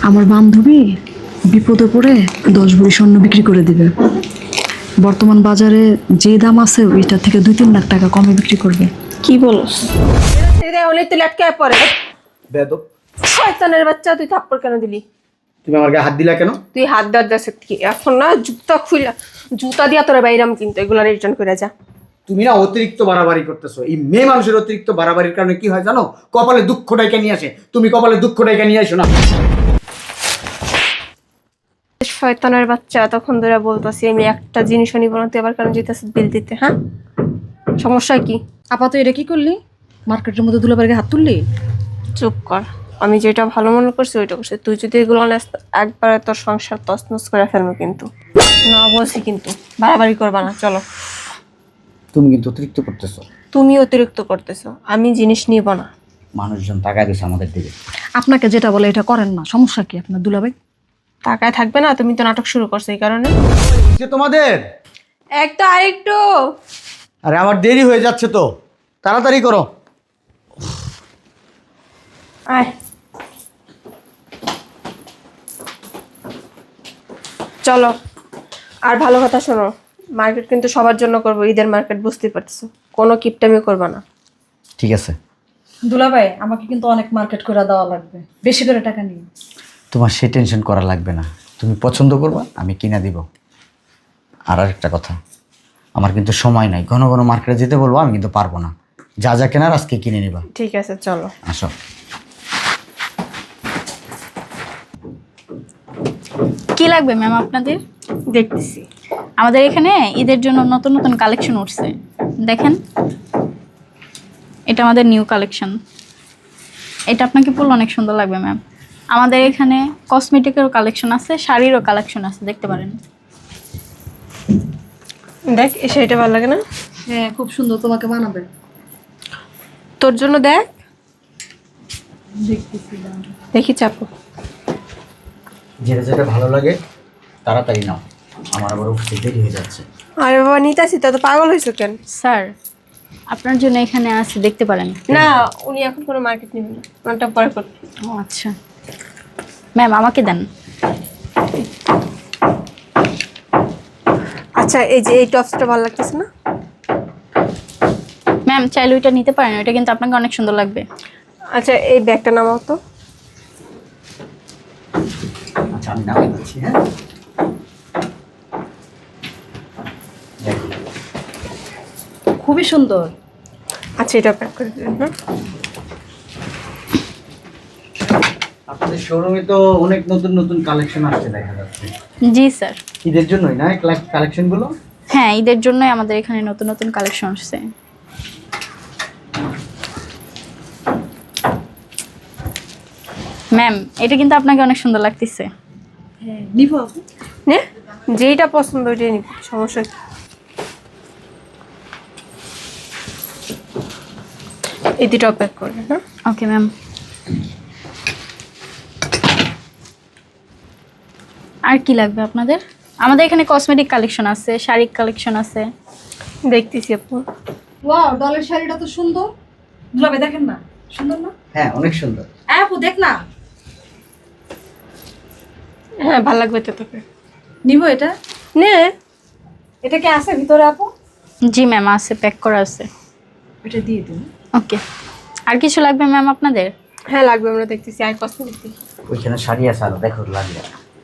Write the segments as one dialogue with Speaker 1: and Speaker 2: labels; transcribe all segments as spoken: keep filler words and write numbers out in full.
Speaker 1: আমার বান্ধবী বিপদে পড়ে দশ ভরি স্বর্ণ বিক্রি করে দিবে। বর্তমান বাজারে যে দাম আছে ওইটা থেকে দুই তিন লাখ টাকা কমে বিক্রি করবে।
Speaker 2: কি বলস? হলে তুই লটকায় পড়ে।
Speaker 3: বেদব,
Speaker 2: শয়তানের বাচ্চা, তুই থাপ্পড় কেন দিলি?
Speaker 3: তুমি আমার গায়ে হাত দিলা কেন?
Speaker 2: তুই হাত দাঁত দাসে কি এখন না জুতা খুইলা জুতা দিয়া তোরা বাইরাম, কিন্তু এগুলা রিটার্ন করে যা।
Speaker 3: তুমি না অতিরিক্ত বাড়াবাড়ি করতেছো। এই মেয়ে মানুষের অতিরিক্ত বাড়াবাড়ির কারণে কি হয় জানো? কপালে দুঃখ ডাইকা নিয়ে আসে। তুমি কপালে দুঃখ ডাইকা নিয়ে আসো না।
Speaker 2: শয়তানের বাচ্চা, তখন ধরে বলতাছি আমি একটা জিনিসও নিব না, তুই আবার কেন যেতেছিস বিল দিতে? হ্যাঁ, সমস্যা কি?
Speaker 1: আপাতত এটা কি করলি? মার্কেটের মধ্যে দুলাবাড়িকে হাত তুললি?
Speaker 2: চুপ কর, আমি যেটা ভালো মনে করছি ওইটা করছি। তুই যদি এগুলো নেস একবারে তোর সংসার তছনছ করে ফেলবো কিন্তু। না বলছি কিন্তু, বাড়াবাড়ি করবা না। চলো।
Speaker 3: তুমি কিন্তু অতিরিক্ত করতেছো।
Speaker 2: তুমি অতিরিক্ত করতেছো, আমি জিনিস নিব না।
Speaker 3: মানুষজন তাকায় দিচ্ছে আমাদের দিকে।
Speaker 1: আপনাকে যেটা বলে এটা করেন না, সমস্যা কি আপনার দুলাভাই?
Speaker 2: টাকায় থাকবে না, তুমি তো নাটক শুরু করছো এই কারণে।
Speaker 3: যে তোমাদের
Speaker 2: একটা আরেকটু।
Speaker 3: আরে আমার দেরি হয়ে যাচ্ছে তো, তাড়াতাড়ি করো।
Speaker 2: আয় চলো। আর ভালো কথা শোনো, মার্কেট কিন্তু সবার জন্য করবো, ঈদের মার্কেট, বুঝতেই পারতেছো। কোনো কিপটামি করবা না।
Speaker 3: ঠিক আছে।
Speaker 1: দুলাভাই আমাকে কিন্তু অনেক মার্কেট করে দেওয়া লাগবে, বেশি করে টাকা নিয়ে।
Speaker 3: তোমার সে টেনশন করা লাগবে না, তুমি পছন্দ করবা, আমি কিনা দিব। আর একটা কথা, আমার কিন্তু সময় নাই, ঘন ঘন মার্কেটে যেতে বলবো, আমি কিন্তু পারবো না। যা যা কেনার আজকে কিনে নিবা।
Speaker 2: ঠিক আছে চলো।
Speaker 3: আসো।
Speaker 4: কি লাগবে ম্যাম আপনাদের?
Speaker 2: দেখতেছি।
Speaker 4: আমাদের এখানে ঈদের জন্য নতুন নতুন কালেকশন উঠছে, দেখেন। এটা আমাদের নিউ কালেকশন। এটা আপনাকে পরলে অনেক সুন্দর লাগবে ম্যাম। আমাদের এখানে কসমেটিকেরও কালেকশন আছে, শাড়িরও কালেকশন আছে, দেখতে পারেন।
Speaker 2: দেখ, এই শাড়িটা ভালো লাগে না?
Speaker 1: হ্যাঁ খুব সুন্দর, তোমাকে মানাবে।
Speaker 2: তোর জন্য দেখ।
Speaker 1: দেখতেছি।
Speaker 2: দেখি চাপো।
Speaker 3: যেটা যেটা ভালো লাগে তাড়াতাড়ি নাও, আমার আবার অফিসে দেরি হয়ে যাচ্ছে।
Speaker 2: আরে বাবা, নিতাছি তো, এত পাগল হয়েছো কেন?
Speaker 4: স্যার, আপনার জন্য এখানে আছে, দেখতে পারেন।
Speaker 2: না, উনি এখন কোনো মার্কেট নেবেন না, ওনারটা পরে করবে।
Speaker 4: ও আচ্ছা ম্যাম, আমাকে দেন।
Speaker 2: আচ্ছা, এই যে এই টপসটা ভালো লাগতেছে না?
Speaker 4: ম্যাম চাইলে ওইটা নিতে পারেন, ওইটা কিন্তু আপনাকে অনেক সুন্দর লাগবে।
Speaker 2: আচ্ছা, এই ব্যাগটা নামাও তো।
Speaker 3: আচ্ছা আমি নামিয়ে দিচ্ছি। হ্যাঁ, দেখো।
Speaker 1: খুবই সুন্দর।
Speaker 2: আচ্ছা, এটা প্যাক করে দিন। হ্যাঁ,
Speaker 3: আপনাদের শোরুমে তো অনেক নতুন নতুন কালেকশন আসছে দেখা যাচ্ছে।
Speaker 4: জি স্যার।
Speaker 3: ঈদের জন্যই না কালেকশনগুলো?
Speaker 4: হ্যাঁ, ঈদের জন্যই আমাদের এখানে নতুন নতুন কালেকশন আসছে। ম্যাম এটা কিন্তু আপনাকে অনেক সুন্দর লাগতেছে।
Speaker 1: হ্যাঁ নিব।
Speaker 2: নে, যেইটা পছন্দ ওইটাই নিবি, সমস্যা কি? এই দুটাও প্যাক করবে। হ্যাঁ,
Speaker 4: ওকে ম্যাম। আর কি লাগবে আপনাদের? আমাদের এখানে কসমেটিক কালেকশন আছে, শাড়ি কালেকশন আছে।
Speaker 2: দেখতেছি আপু।
Speaker 1: ওয়াও, ডলের শাড়িটা তো সুন্দর। দুলাভাই দেখেন না, সুন্দর না?
Speaker 3: হ্যাঁ অনেক সুন্দর।
Speaker 1: হ্যাঁ আপু দেখ না।
Speaker 2: হ্যাঁ, ভালো লাগবে তো তোকে।
Speaker 1: নিব এটা।
Speaker 2: নে।
Speaker 1: এটা কি আছে ভিতরে আপু?
Speaker 4: জি ম্যাম আছে, প্যাক করা আছে।
Speaker 1: এটা দিয়ে দিন।
Speaker 4: ওকে। আর কিছু লাগবে ম্যাম আপনাদের?
Speaker 2: হ্যাঁ লাগবে, আমরা দেখতেছি। আর কসমেটিক দেখি।
Speaker 3: ওইখানে শাড়ি আছে, আরো দেখো লাগবে।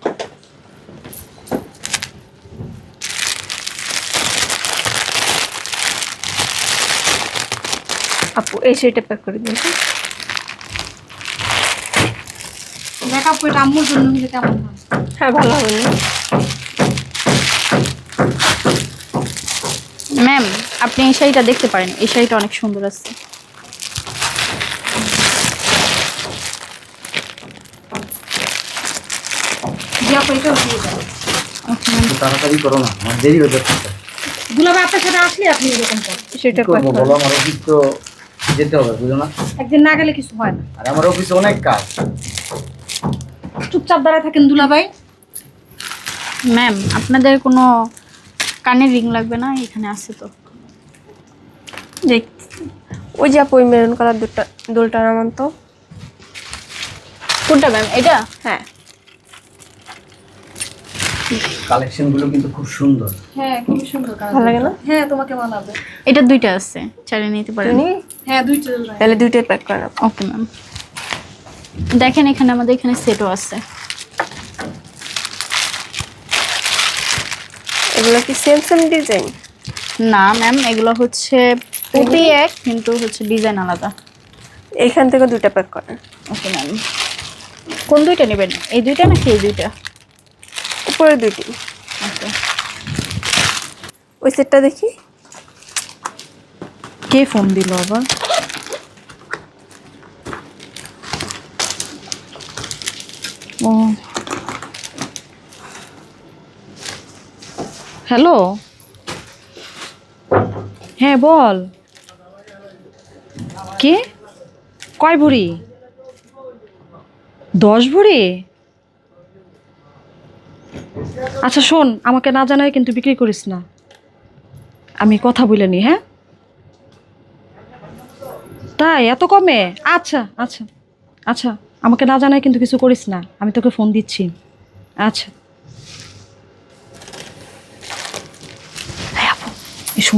Speaker 2: আপু এই শাড়িটা প্যাক করে দিন।
Speaker 1: দেখ আপু, এটা আম্মুর জন্য নিলে কেমন হয়?
Speaker 2: হ্যাঁ, ভালো হবে না?
Speaker 4: ম্যাম আপনি এই শাড়িটা দেখতে পারেন, এই শাড়িটা অনেক সুন্দর আছে।
Speaker 1: জি আপু, এটাও দিয়ে দেন।
Speaker 4: Okay ma'am.
Speaker 3: একটু তাড়াতাড়ি করো না, আমার দেরি হয়ে যাচ্ছে।
Speaker 1: দুলাভাই আপনার সাথে আসলে আপনি এরকম করেন।
Speaker 2: সেটা
Speaker 3: কি করবো বলো, আমার অফিস তো যেতে হবে, বুঝো না?
Speaker 1: একদিন না গেলে কিছু হয় না।
Speaker 3: আর আমার অফিসে অনেক কাজ।
Speaker 1: চুপচাপ দাঁড়ায় থাকেন দুলাভাই।
Speaker 4: ম্যাম আপনাদের কোনো কানের রিং লাগবে না? এখানে আছে তো।
Speaker 2: দেখ, ওই যে আপু ওই মেরুন কালার দুটা দোলটা নামান তো।
Speaker 4: কোনটা ম্যাম? এটা?
Speaker 2: হ্যাঁ,
Speaker 3: কালেকশনগুলো কিন্তু খুব সুন্দর।
Speaker 1: হ্যাঁ খুব সুন্দর
Speaker 2: ভালো লাগে না?
Speaker 1: হ্যাঁ তোমাকে মানাবে।
Speaker 4: এটা দুইটা আছে, চাইলে নিতে পারেন।
Speaker 2: তুমি
Speaker 1: হ্যাঁ দুইটা
Speaker 2: তাহলে দুইটাই প্যাক করে নাও।
Speaker 4: Okay ma'am. দেখেন এখানে আমাদের এখানে সেটও আছে।
Speaker 2: এগুলো কি সেম সেম ডিজাইন?
Speaker 4: না ম্যাম, এগুলো হচ্ছে পুঁতি এক, কিন্তু হচ্ছে ডিজাইন আলাদা।
Speaker 2: এইখান থেকে দুইটা প্যাক করেন।
Speaker 4: Okay ma'am. কোন দুইটা নেবেন, এই দুইটা নাকি এই দুইটা?
Speaker 2: উপরে দুইটি।
Speaker 4: ওকে।
Speaker 2: ওই সেটটা দেখি।
Speaker 1: কে ফোন দিল আবার? ও হ্যালো, হ্যাঁ বল। কে? কয় ভরি? দশ ভরি? আচ্ছা শোন, আমাকে না জানায় কিন্তু বিক্রি করিস না, আমি কথা বলে নি। হ্যাঁ তাই এত কমে? আচ্ছা আচ্ছা আচ্ছা, আমাকে না জানায় কিন্তু কিছু করিস না, আমি তোকে ফোন দিচ্ছি। আচ্ছা এই আপু, এই শোন,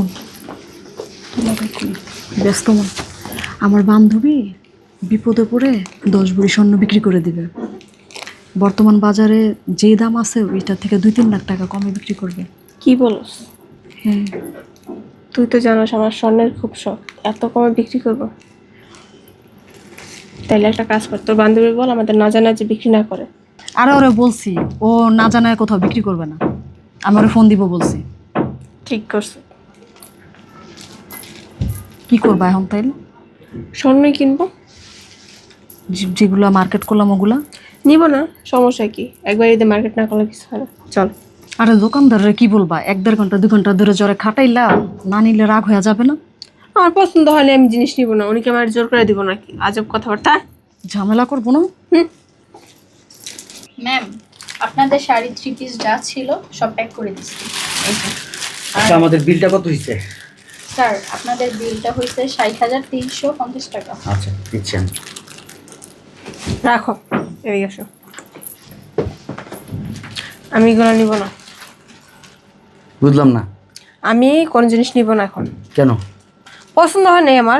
Speaker 1: ব্যস্ত মন, আমার বান্ধবী বিপদে পড়ে দশ ভরি স্বর্ণ বিক্রি করে দিবে। বর্তমান বাজারে যে দাম আছে ওইটার থেকে দুই তিন লাখ টাকা কমে বিক্রি করবে।
Speaker 2: কি বলস?
Speaker 1: হ্যাঁ
Speaker 2: তুই তো জানোস আমার স্বর্ণের খুব শখ, এত কমে বিক্রি করব? তাইলে একটা কাজ কর, তোর বান্ধবী বল আমাদের না জানা যে বিক্রি না করে।
Speaker 1: আরে ওরে বলছি, ও না জানায় কোথাও বিক্রি করবে না, আমি ওরে ফোন দিব বলছি।
Speaker 2: ঠিক করছে।
Speaker 1: কি করবা এখন তাইলে?
Speaker 2: স্বর্ণই কিনবো।
Speaker 1: যে- যেগুলা মার্কেট করলাম ওগুলা
Speaker 2: নিব না, সমস্যা কি? একবার ঈদে মার্কেট না করলে কিছু হয় না, চল।
Speaker 1: আরে দোকানদাররা কি বলবা, এক দেড় ঘন্টা দুই ঘন্টা ধরে জ্বরে খাটাইলা, না নিলে রাগ হয়ে যাবে না?
Speaker 2: আমার পছন্দ হলে আমি জিনিস নিব না, উনিকে আমার জোর করে দিব নাকি? আজব কথাবার্তা।
Speaker 1: ঝামেলা করবো না।
Speaker 4: ম্যাম, আপনাদের শাড়ি থ্রি পিস যা ছিল সব প্যাক করে দিচ্ছি। এই যে।
Speaker 3: আচ্ছা, আমাদের বিলটা কত হয়েছে?
Speaker 4: স্যার, আপনাদের বিলটা হয়েছে ষাট হাজার তিনশো পঞ্চাশ টাকা।
Speaker 3: আচ্ছা দিচ্ছি আমি।
Speaker 2: রাখো, এদিকে আসো। আমি এগুলো নিব না।
Speaker 3: বুঝলাম না।
Speaker 2: আমি কোন জিনিস নিব না এখন।
Speaker 3: কেন?
Speaker 2: পছন্দ হয় নাই আমার।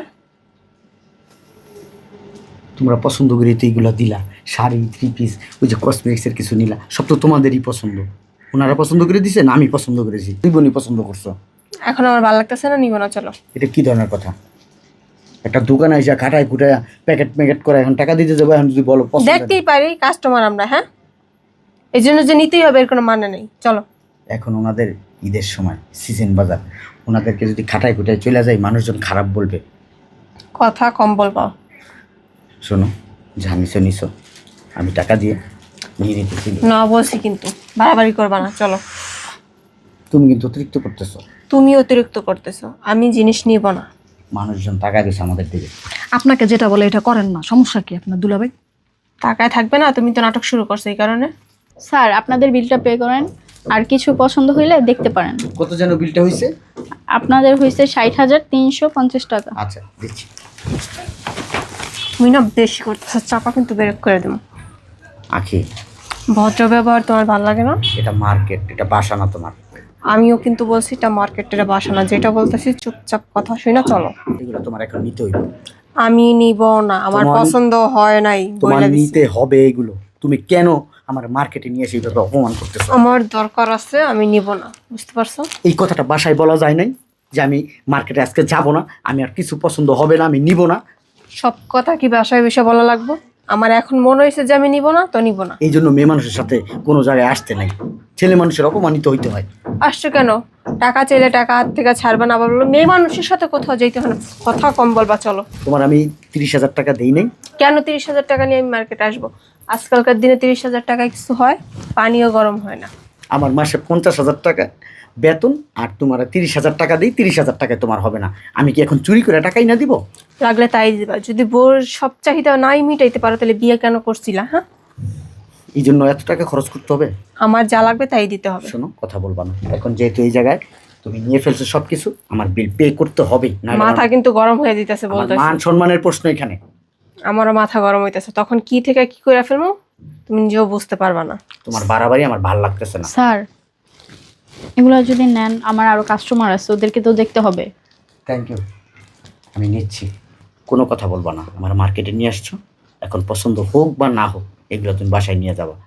Speaker 3: তোমরা পছন্দ করে তো এইগুলো দিলা, শাড়ি থ্রি পিস, ওই যে কসমেটিক্সের কিছু নিলা, সব তো তোমাদেরই পছন্দ। ওনারা পছন্দ করে দিছে না আমি পছন্দ করেছি? তুই বোনই পছন্দ করছো।
Speaker 2: এখন আমার ভালো লাগতেছে না, নিব না, চলো।
Speaker 3: এটা কি ধরনের কথা? একটা দোকানে এসে খাটায় খুটায় প্যাকেট প্যাকেট করে এখন টাকা দিতে যাবো, এখন যদি বলো পছন্দ
Speaker 2: দেখতেই পারি কাস্টমার আমরা, হ্যাঁ, এই জন্য যে নিতেই হবে এর কোনো মানে নেই, চলো।
Speaker 3: এখন ওনাদের ঈদের সময় সিজন বাজার, ওনাদেরকে যদি খাটায় খুটায় চলে যায় মানুষজন খারাপ বলবে।
Speaker 2: কথা কম বলবো।
Speaker 3: শোনো, যা নিছো নিছো, আমি টাকা দিয়ে নিয়ে নিতেছি।
Speaker 2: না বলছি কিন্তু, বাড়াবাড়ি করবা না, চলো।
Speaker 3: তুমি কিন্তু অতিরিক্ত করতেছো।
Speaker 2: তুমি অতিরিক্ত করতেছো, আমি জিনিস নিব না।
Speaker 3: মানুষজন টাকা দিচ্ছে আমাদের দিকে।
Speaker 1: আপনাকে যেটা বলে এটা করেন না, সমস্যা কি আপনার দুলাভাই?
Speaker 2: টাকায় থাকবে না, তুমি তো নাটক শুরু করছো এই কারণে।
Speaker 4: স্যার, আপনাদের বিলটা পে করেন, আর কিছু পছন্দ হইলে দেখতে পারেন।
Speaker 3: কত যেন বিলটা হয়েছে?
Speaker 4: আপনাদের হয়েছে ষাট হাজার তিনশো পঞ্চাশ টাকা।
Speaker 3: আচ্ছা দিচ্ছি।
Speaker 2: তুমি না বেশি করতেছো, চাপা কিন্তু বেরেক করে দেবো।
Speaker 3: আখি,
Speaker 2: ভদ্র ব্যবহার তোমার ভালো লাগে না?
Speaker 3: এটা মার্কেট, এটা বাসা না তোমার।
Speaker 2: আমিও কিন্তু বলছি এটা মার্কেটের বাসা না, যেটা বলতেছি চুপচাপ কথা শুই না, চলো।
Speaker 3: এগুলো তোমার এখন নিতে হইবে।
Speaker 2: আমি নিব না, আমার
Speaker 3: তোমার-
Speaker 2: পছন্দ হয় নাই,
Speaker 3: তোমার
Speaker 2: বইলা দিছি।
Speaker 3: নিতে হবে এগুলো। তুমি কেন আমার মার্কেটে নিয়ে এসে এইভাবে অপমান করতেছো?
Speaker 2: আমার দরকার আছে, আমি নিব না, বুঝতে পারছো?
Speaker 3: এই কথাটা বাসায় বলা যায় নাই যে আমি মার্কেটে আজকে যাব না, আমি আর কিছু পছন্দ হবে না, আমি নিব না?
Speaker 2: সব কথা কি বাসায় বিষয় বলা লাগবো? আমার এখন মনে হয়েছে যে আমি নিব না, তো নিব না।
Speaker 3: এই জন্য মেয়ে মানুষের সাথে কোনো জায়গায় আসতে নাই, ছেলে মানুষের অপমানিত হইতে হয়।
Speaker 2: আসছো কেন? টাকা চাইলে টাকা হাত থেকে ছাড়বে না, আবার বললো মেয়ে মানুষের সাথে কোথাও যেতে হয় না। কথা কম বলবা, চলো।
Speaker 3: তোমার আমি তিরিশ হাজার টাকা দেই নাই।
Speaker 2: কেন তিরিশ হাজার টাকা নিয়ে আমি মার্কেটে আসবো? আজকালকার দিনে তিরিশ হাজার টাকায় কিছু হয়? পানিও গরম হয় না।
Speaker 3: আমার মাসে পঞ্চাশ হাজার টাকা বেতন, আর তোমার তিরিশ হাজার টাকা দিই, তিরিশ হাজার টাকায় তোমার হবে না। আমি কি এখন চুরি করে টাকাই না দিব?
Speaker 2: লাগলে তাই দিবা। যদি বোর সব চাহিদা নাই মিটাইতে পারো তাহলে বিয়ে কেন করছিলা? হ্যাঁ,
Speaker 3: এই জন্য এত টাকা খরচ করতে হবে?
Speaker 2: আমার যা লাগবে তাই দিতে হবে।
Speaker 3: শোনো, কথা বলবা না। এখন যেহেতু এই জায়গায় তুমি নিয়ে ফেলছো সব কিছু, আমার বিল পে করতে হবে না।
Speaker 2: মাথা কিন্তু গরম হয়ে দিতেছে বলতেছে।
Speaker 3: মান সম্মানের প্রশ্ন এখানে।
Speaker 2: আমারও মাথা গরম হইতেছে, তখন কি থেকে কি করে ফেলবো তুমি নিজেও বুঝতে পারবা না।
Speaker 3: তোমার বাড়াবাড়ি আমার ভালো লাগতেছে না।
Speaker 4: স্যার এগুলো যদি নেন, আমার আরো কাস্টমার আছে, ওদেরকে তো দেখতে হবে।
Speaker 3: থ্যাংক ইউ, আমি নিচ্ছি, কোনো কথা বলবা না। আমার মার্কেটে নিয়ে আসছো, এখন পছন্দ হোক বা না হোক এগুলো তুমি বাসায় নিয়ে যাবা।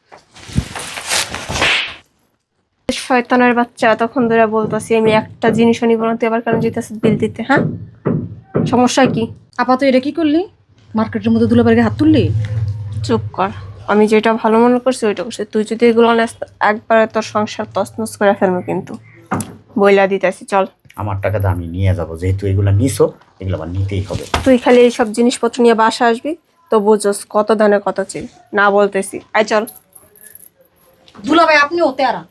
Speaker 2: শয়তানের বাচ্চা, তখন ধরে বলতেছি আমি একটা জিনিসও নিব না, তুই আবার কেন যেতেছিস বিল দিতে? হ্যাঁ, সমস্যা কি?
Speaker 1: আপাতত এটা কি করলি? মার্কেটের মধ্যে দুলাবাড়িকে হাত তুললি?
Speaker 2: চুপ কর। আমি যেটা ভালো মনে করছি ওইটা করছি। তুই যদি এগুলো নেস একবারে তোর সংসার তছনছ করে ফেলবো কিন্তু, বইলা দিতেছি। চল,
Speaker 3: আমার টাকাটা আমি নিয়ে যাবো, যেহেতু এগুলো নিছো এগুলো আমার নিতেই হবে।
Speaker 2: তুই খালি এইসব জিনিসপত্র নিয়ে বাসা আসবি তো বুঝোস কত দানে কত চিল না বলতেছি। আয় চল।
Speaker 1: দুলাভাই আপনি ওতে আরা।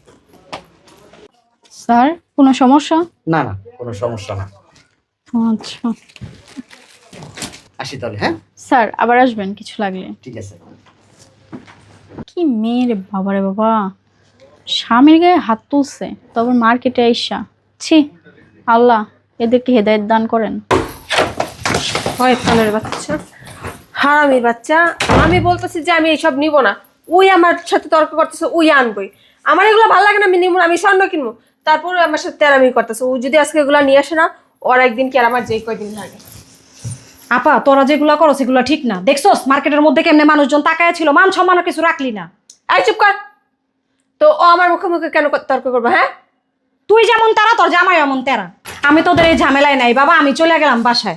Speaker 4: স্যার কোনো সমস্যা?
Speaker 3: না না, কোনো সমস্যা না।
Speaker 4: আচ্ছা
Speaker 3: আসি তাহলে। হ্যাঁ
Speaker 4: স্যার, আবার আসবেন কিছু লাগলে।
Speaker 3: ঠিক আছে।
Speaker 4: কি মেয়ে রে বাবা রে বাবা, স্বামীর গায়ে হাত তুলছে, তবে মার্কেটে আইসা। ছি, আল্লাহ এদেরকে হেদায়েত দান করেন।
Speaker 2: শয়তানের বাচ্চা, হারামির বাচ্চা। আমি বলতেছি যে আমি এইসব নিব না, ওই আমার সাথে তর্ক করতেছে, ওই আনবই। আমার এগুলো ভালো লাগে না, আমি নিব না, আমি স্বর্ণ কিনবো। তারপরে আমার সাথে তেরামি করতেছে। ও যদি আজকে এগুলো নিয়ে আসে না, ওর একদিন কি আর আমার যেই কয়দিন লাগে।
Speaker 1: আপা তোরা যেগুলো করো সেগুলো ঠিক না। দেখছোস মার্কেটের মধ্যে কেমনে মানুষজন তাকায় ছিল, মান সম্মানও কিছু রাখলি না।
Speaker 2: এই চুপ কর। তো ও আমার মুখে মুখে কেন তর্ক করবো? হ্যাঁ,
Speaker 1: তুই যেমন তারা তোর জামাই এমন তেরা। আমি তোদের এই ঝামেলায় নাই বাবা, আমি চলে গেলাম বাসায়।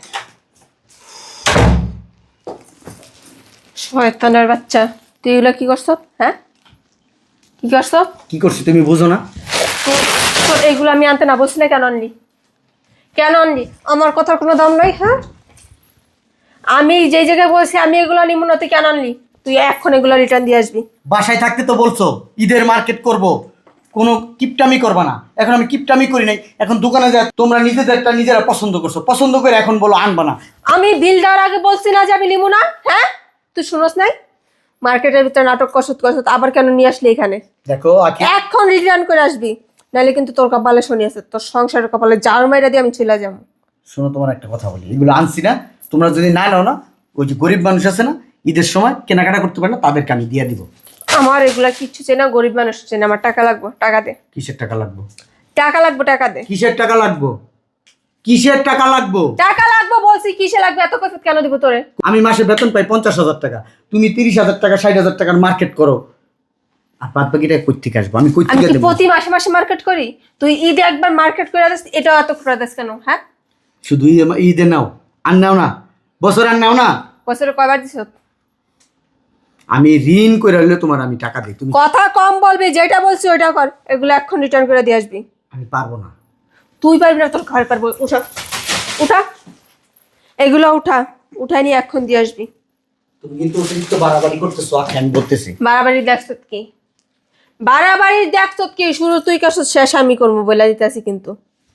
Speaker 2: শয়তানের বাচ্চা, তুই এগুলো কি করছ? হ্যাঁ, কি করছ?
Speaker 3: কি করছি তুমি বুঝো না?
Speaker 2: তো- তোর এইগুলো আমি আনতে না বলছি না, কেন আনলি? কেন আনলি? আমার কথার কোনো দাম নাই। হ্যাঁ, আমি যেই জায়গায় বলছি আমি এগুলো নিব না, তুই কেন আনলি? তুই এখন এগুলো রিটার্ন দিয়ে আসবি।
Speaker 3: বাসায় থাকতে তো বলছো ঈদের মার্কেট করব, কোনো কিপটামি করবা না। এখন আমি কিপটামি করি নাই, এখন দোকানে যা তোমরা নিজেদেরটা নিজেরা পছন্দ করছো, পছন্দ করে এখন বলো আনবা না।
Speaker 2: আমি বিল দেওয়ার আগে বলছি না যে আমি নিব না? হ্যাঁ, তুই শুনোস নাই? মার্কেটের ভিতরে নাটক কষত কষত আবার কেন নিয়ে আসলি এখানে?
Speaker 3: দেখো আখি,
Speaker 2: এখন রিটার্ন করে আসবি, নাহলে কিন্তু তোর কপালে শনি আছে, তোর সংসারের কপালে জার মাইরা দিয়ে আমি চলে যাবো।
Speaker 3: শোনো তোমার একটা কথা বলি, এগুলো আনছি না, তোমরা যদি না নাও না, ওই যে গরিব মানুষ আছে না ঈদের সময় কেনাকাটা করতে পারে না, তাদেরকে আমি দিয়ে দিব।
Speaker 2: আমার এগুলা কিচ্ছু চাই না, গরিব মানুষ চাই না। আমার টাকা লাগবে, টাকা দে।
Speaker 3: কিসের টাকা লাগবে?
Speaker 2: টাকা লাগবে, টাকা দে।
Speaker 3: কিসের টাকা লাগবে? কিসের টাকা লাগবে?
Speaker 2: টাকা লাগবে বলছি, কিসে লাগবে? এত কথা কেন দিব তোরে?
Speaker 3: আমি মাসে বেতন পাই পঞ্চাশ হাজার টাকা, তুমি তিরিশ হাজার টাকা ষাট হাজার টাকার মার্কেট করো, আর বাদ বাকিটা কই থেকে আসবো? আমি কই
Speaker 2: আমি
Speaker 3: থেকে
Speaker 2: কি
Speaker 3: দেবো?
Speaker 2: প্রতি মাসে মাসে মার্কেট করি? তুই ঈদে একবার মার্কেট করে দিস, এটাও এত করে দিস কেন? হ্যাঁ,
Speaker 3: শুধু ঈদে- ঈদে নাও, আর নাও না, বছর আর নাও না।
Speaker 2: বছরে কয়বার দিস?
Speaker 3: আমি ঋণ করে হলে তোমার আমি টাকা দিই, তুমি।
Speaker 2: কথা কম বলবি, যেটা বলছি ওইটা কর। এগুলো এখন রিটার্ন করে দিয়ে আসবি।
Speaker 3: আমি পারবো না।
Speaker 2: তুই পারবি না, তোর ঘর পারবো। উঠা, উঠা, এগুলো উঠা, উঠাই নিয়ে এখন দিয়ে আসবি।
Speaker 3: তুমি কিন্তু অতিরিক্ত বাড়াবাড়ি করতেছো, আখি আমি বলতেছি।
Speaker 2: বাড়াবাড়ি দেখছ কি? বাড়াবাড়ি দেখছ কি? শুরু তুই কাছ, শেষ আমি করবো বলে দিতেছি কিন্তু।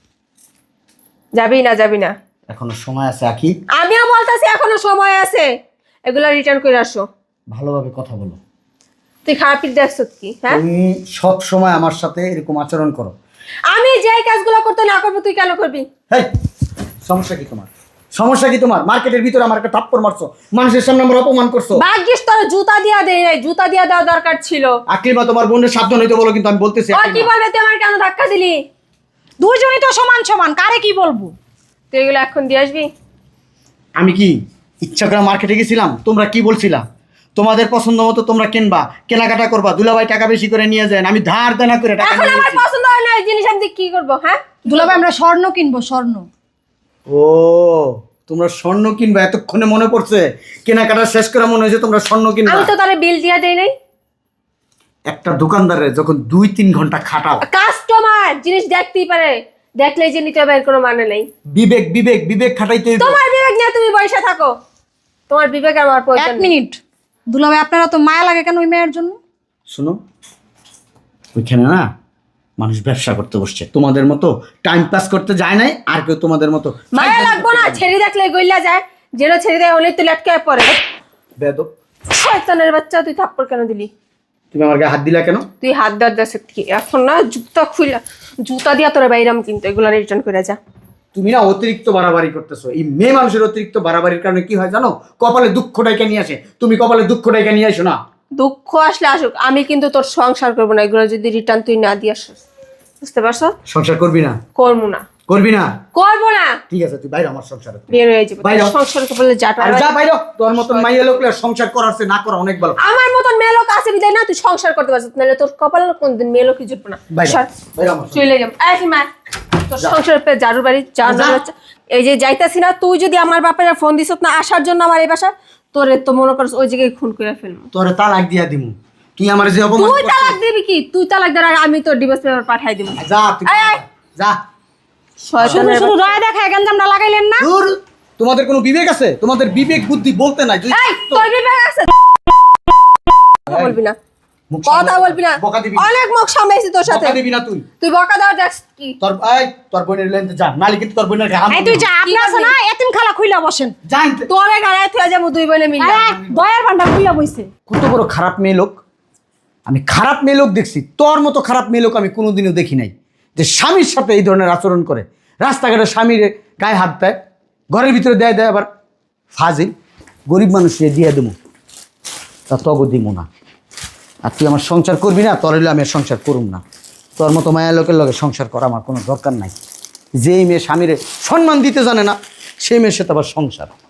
Speaker 2: যাবি না? যাবি না?
Speaker 3: এখনো সময় আছে আখি,
Speaker 2: আমিও বলতেছি এখনো সময় আছে, এগুলা রিটার্ন করে আসো।
Speaker 3: ভালোভাবে কথা বলো।
Speaker 2: তুই খারাপ দেখছ কি? হ্যাঁ,
Speaker 3: তুমি সব সময় আমার সাথে এরকম আচরণ করো।
Speaker 2: আমি যে কাজগুলো করতে না করবো তুই কেন করবি?
Speaker 3: হেই, সমস্যা কি তোমার? সমস্যা কি তোমার? মার্কেটের ভিতরে আমার একটা থাপ্পড় মারছো, মানুষের সামনে আমার অপমান করছো।
Speaker 2: ভাগ্যিস তোর জুতা দিয়া দেয় নাই, জুতা দিয়া দেওয়া দরকার ছিল।
Speaker 3: আকলিমা, তোমার বোনের সাবধান হইতে বলো, কিন্তু আমি বলতেছি
Speaker 2: ও কি
Speaker 3: আকলিমা।
Speaker 2: বলবে? তুই আমার কেন ধাক্কা দিলি?
Speaker 1: দুইজনই তো সমান সমান, কারে কি বলবো?
Speaker 2: তুই এগুলো এখন দিয়ে আসবি।
Speaker 3: আমি কি ইচ্ছা করে মার্কেটে গেছিলাম? তোমরা কি বলছিলা? তোমাদের পছন্দ মতো তোমরা কিনবা, কেনাকাটা করবা, দুলাভাই টাকা বেশি করে নিয়ে যায়, আমি ধার দেনা করে টাকা
Speaker 2: এখন
Speaker 3: নিয়ে
Speaker 2: আমার
Speaker 3: গেছি।
Speaker 2: পছন্দ হয় না এই জিনিস, আমি কি করবো? হ্যাঁ,
Speaker 1: দুলাভাই আমরা স্বর্ণ কিনবো, স্বর্ণ।
Speaker 3: ও, তোমরা স্বর্ণ কিনবা? এতক্ষণে মনে পড়ছে? কেনাকাটা শেষ করে মনে হয়েছে তোমরা স্বর্ণ কিনবা।
Speaker 2: আমি তো তারে বিল দিয়া দেই নাই।
Speaker 3: একটা দোকানদারের যখন দুই তিন ঘন্টা খাটাও,
Speaker 2: কাস্টমার জিনিস দেখতেই পারে, দেখলে যে নিতে হবে এর কোনো মানে নেই।
Speaker 3: বিবেক বিবেক বিবেক খাটাইতে হইব।
Speaker 2: তোমার বিবেক নিয়ে তুমি বসে থাকো, তোমার বিবেক আমার প্রয়োজন
Speaker 1: এক
Speaker 2: নেই।
Speaker 1: মিনিট দুলাভাই, আপনারা তো মায়া লাগে কেন ওই মেয়ের জন্য?
Speaker 3: শোনো, ওইখানে না মানুষ ব্যবসা করতে বসছে, তোমাদের মতো টাইম পাস করতে যায় নাই, আর কেউ তোমাদের মতো
Speaker 2: মায়া লাগবো না? ছেড়ে দেখলে গইলা যায়, যেন ছেড়ে দেয় হলেই তো লটকে পড়ে।
Speaker 3: বেদব।
Speaker 2: শয়তানের বাচ্চা, তুই থাপ্পড় কেন দিলি?
Speaker 3: তুমি আমার গায়ে হাত দিলা কেন?
Speaker 2: তুই হাত দাঁত দাস কি? এখন না জুতা খুইলা, জুতা দিয়া তোরা বাইরাম কিন্তু। এগুলো রিটার্ন করে যা।
Speaker 3: তুমি না অতিরিক্ত বাড়াবাড়ি করতেছো। এই মেয়ে মানুষের অতিরিক্ত বাড়াবাড়ির কারণে কি হয় জানো? কপালে দুঃখ ডাইকা নিয়ে আসে। তুমি কপালে দুঃখ ডাইকা নিয়ে আসো না।
Speaker 2: দুঃখ আসলে আসুক, আমি কিন্তু তোর সংসার করবো না এগুলো যদি রিটার্ন তুই না দিয়ে আসিস। বুঝতে পারছো?
Speaker 3: সংসার করবি না?
Speaker 2: করবো না।
Speaker 3: করবি না?
Speaker 2: করবো না।
Speaker 3: ঠিক আছে, তুই বাইরে আমার সংসারে।
Speaker 2: বের হয়ে যাবে।
Speaker 3: বাইরে হ।
Speaker 2: সংসার করলে যাটা
Speaker 3: আর যা বাইরে হ। তোর মতন মাইয়া লোকলে সংসার করার চেয়ে না করা অনেক ভালো।
Speaker 2: আমার মতন মেয়ে লোক আছে বিদায় না তুই সংসার করতে পারছিস, নাহলে তোর কপালে কোনদিন মেয়ে লোকই জুটবে না।
Speaker 3: বাইরে
Speaker 2: সর।
Speaker 3: বাইরে আমার
Speaker 2: চলে যাম। এই কি মা, তোর সংসারের পে জারুর বাড়ি জারুর
Speaker 3: যা।
Speaker 2: বাচ্চা। এই যে যাইতাছি না, তুই যদি আমার বাপের ফোন দিস না আসার জন্য আমার এই বাসা, তোরে তো মনে করছ ওই জায়গায় খুন করে ফেলবো।
Speaker 3: তোরে তালাক দিয়া দিমু। তুই আমার যে অপমান
Speaker 2: তুই
Speaker 3: করছিস-
Speaker 2: তালাক দিবি কি? তুই তালাক দেওয়ার আগে আমি তোর ডিভোর্স পেপার পাঠাই দিব।
Speaker 3: যা তুই
Speaker 2: এই, এই।
Speaker 3: যা।
Speaker 2: শয়তানের
Speaker 1: শুধু রায় দেখা গেঞ্জামটা লাগাইলেন না?
Speaker 3: দূর। তোমাদের কোনো বিবেক আছে? তোমাদের বিবেক বুদ্ধি বলতে নাই। তুই
Speaker 2: এই, তোর বিবেক আছে? কথা বলবি না,
Speaker 3: মুখ
Speaker 2: কথা
Speaker 3: সামলে-
Speaker 2: বলবি না।
Speaker 3: বকা দিবি।
Speaker 2: অনেক মুখ সামলাইছি তোর সাথে।
Speaker 3: বকা দিবি না তুই।
Speaker 2: তুই বকা দেওয়ার দেখ কি?
Speaker 3: তোর এই তোর বোনের লেনতে যা, নালি কিন্তু তোর বোনের গায়ে হাত
Speaker 1: এই তুই
Speaker 3: দিবি।
Speaker 1: যা, আপনি আছে না এতিম খালা খুইলা বসেন।
Speaker 3: যা ইনতে।
Speaker 2: তোরে গাড়ায় তুই যাবো দুই বোনে মিলে।
Speaker 1: এই, দয়ার ভান্ডার খুইলা বইছে।
Speaker 3: কত বড় খারাপ মেয়ে লোক। আমি খারাপ মেয়ে লোক দেখছি, তোর মতো খারাপ মেয়ে লোক আমি কোনোদিনও দেখি নাই, যে স্বামীর সাথে এই ধরনের আচরণ করে। রাস্তাঘাটে স্বামীর গায়ে হাত দেয়, ঘরের ভিতরে দেয় দেয় আবার ফাজিল। গরিব মানুষকে দিয়ে দেবো, তা তগো দিব না। আর তুই আমার সংসার করবি না, তোর হইলে আমি আর সংসার করুম না। তোর মতো মায়া লোকের লগে সংসার করা আমার কোনো দরকার নাই। যেই মেয়ে স্বামীরে সম্মান দিতে জানে না, সেই মেয়ের সাথে আবার সংসার।